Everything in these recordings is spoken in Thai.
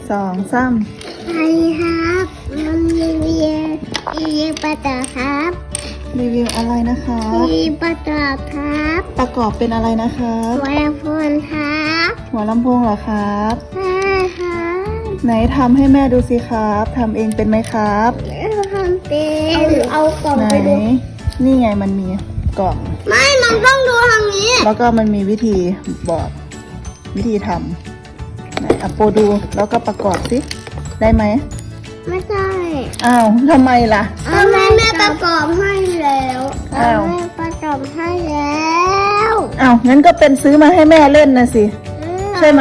2 3 สวัสดีครับมันรีวิวปลาตอครับรีวิวอะไรนะคะรีวิวปลาตอครับประกอบเป็นอะไรนะคะหัวลำโพงครับหัวลำโพงเหรอครับใช่ครับไหนทำให้แม่ดูสิครับทำเองเป็นไหมครับทำเป็นเอากล่องไหนไปดูนี่ไงมันมีกล่องไม่มันต้องดูทางนี้แล้วก็มันมีวิธีบอกวิธีทำไหนอ่ะโปรดูแล้วก็ประกอบสิได้ไหมไม่ใช่อ้าวทำไมล่ะเอาแม่ประกอบให้แล้วอ้าวแม่ประกอบให้แล้วอ้าวงั้นก็เป็นซื้อมาให้แม่เล่นนะสิใช่ไหม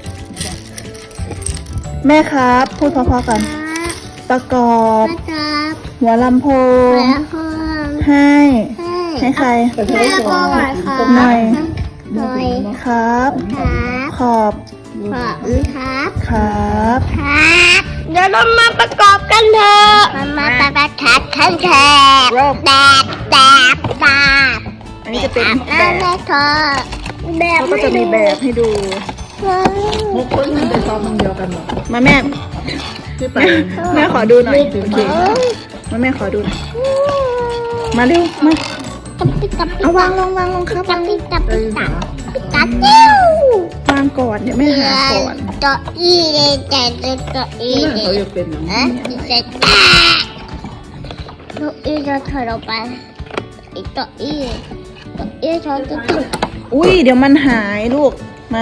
แม่ครับพูดเพราะๆกันประกอบประกอบหัวลำโพหัวงลำโพงให้ใครแม่ประกอบหน่อยครับหน่อยหน่อยครับครับขอบขอบคุณครับครับครับเดี๋ยวเรามาประกอบกันเถอะมาประกอบกันเถอะเริ่มแบบอันนี้จะเป็นแบแล้วบแม่เธอแบบเขาก็จะมีแบบให้ดูมุกคนมันไปซ้อมมันเดียวกันหรอมาแม่ที่ไปแม่ขอดูหน่อยโอเคมาแม่ขอดูหน่อยมาเร็วมากับปิ๊กกับปิ๊เอากวางลงวางลงครับกับวางปิ๊กกับได้ปิ๊กยินเหรกัอบจิ้ววางก่อนเดี๋ยวแม่หาก่อนตัวอีเลยแต่ตัวอีที่เลนั่นเขายจะเป็นอย่างอ่ะนี้เสร็จตัวอีจะถอยออกไปอีตัวอีถอยจะตกอุ้ยเดี๋ยวมันหายลูกมา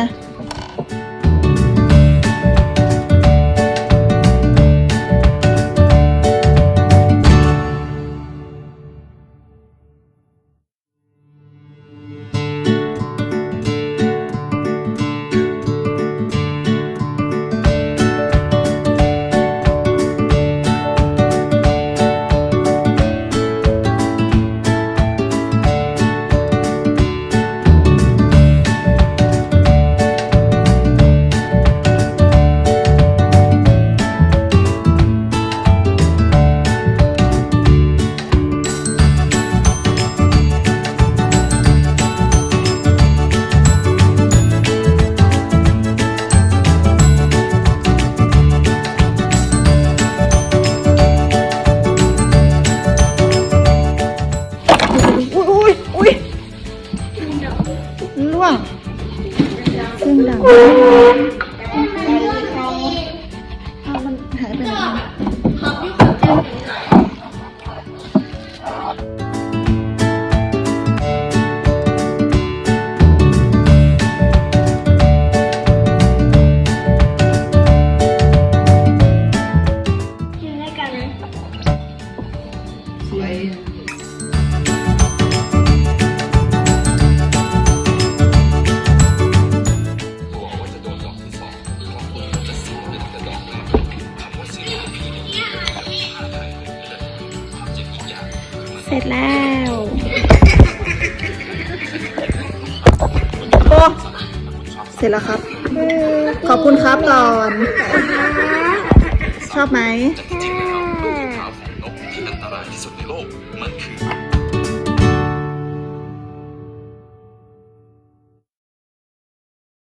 อุ้ยล่วงเสียงดังเอามันหายไปไหนสวยเสร็จแล้วโอ้เสร็จแล้วครับ ขอบคุณครับก่อน ชอบไหมค่ะที่อันตรายที่สุดในโลกมันคือ